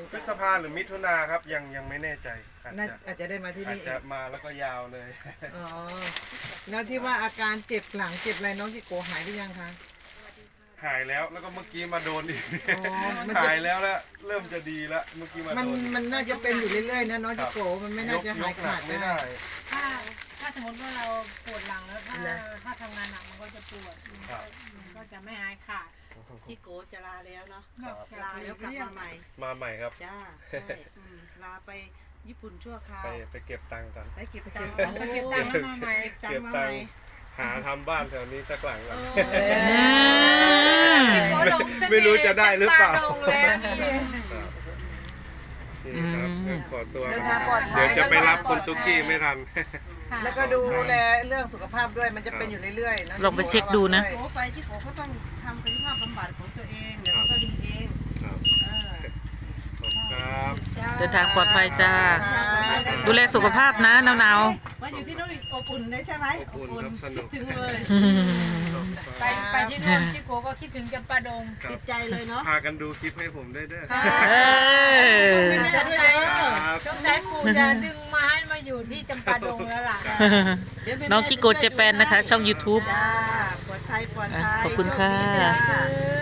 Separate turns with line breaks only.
พฤษภาหรือมิถุนาครับยังไม่แน่ใจ
อาจจะได้มาที่นี่
อาจจะมาแล้วก็ยาวเลย
อ๋อแล้วที่ว่าอาการเจ็บหลังเจ็บอะไรน้องจิโกหายหรือยังคะ
หายแล้วก็เมื่อกี้มาโดนอีก
อ๋อมันจะ
หายแล้วเริ่มจะดีแล้วเมื่อกี้มาโดน
มันน่าจะเป็นอยู่เรื่อยๆนะน้องจิโกมันไม่น่าจะหายขาด
ไม่
ได้
ได้
ถ้าสมมติว่าเราปวดหลังแล้วถ้าทำงานหนักมันก็จะปวด
ครับ
มันก็จะไม่หายขาด
ที่โกจะลาแล้วเนาะ
ครับ
ลาแล้วกลับมาใหม่
มาใหม่ครับ
จ้าใช่ลาไปญี่ปุ่นชั่วคราว
ไปเก็บตังค์กัน
ไปเก็บตังค์
ไปเก็บตังค์แล้วมาใหม่
เก็บตัง
เก็
ค์
บ
มา
ตั
ให
ง
ม่
ค์หาทำบ้านแถวนี้สักหลังก่อน
ไม่รู้จะได้หรือเปล่า
นี่ครับขอตัว
เดินทางปลอดภั
เดี๋
ย
ยวจะไปรับคุณตุ๊กกี้ไม่ทัน
แล้วก็ดูแลเรื่องสุขภาพด้วยมันจะเป็นอยู่เรื่อยๆนะ
ลองไปเช็คดูนะ
โกไปที่โกก็ต้องทำกายภาพบำบัดของตัวเองเดี๋ยวก็ดีเอง
ครับ
เออ
ขอบคุณครับ
จ้
เดินทางปลอดภัยจ้า
ค่ะ
ดูแลสุขภาพนะหนาว
มาอยู่ที่นู่นอบอุ่นได้ใช่ไหม
อบอุ่นครับสนุ
คิด
ก
ถึงเลย
ไปที่นู่นที่โกก็คิดถึงจำปาดง
ครับ
ติดใจเลยเนาะ
พากันดูคลิปให้ผมได้ด้วย
ๆเออ
สงสัย
ครับ
สงสัยปู่จะดึงมาให้มาอยู่ที่จำปาดงแล้วล่ะ
น้องกิโกเจแปนนะคะ ช่อง YouTube
จ้าปลอดภัยปลอดภัย
ขอบคุณค่ะ
โชดีจ้า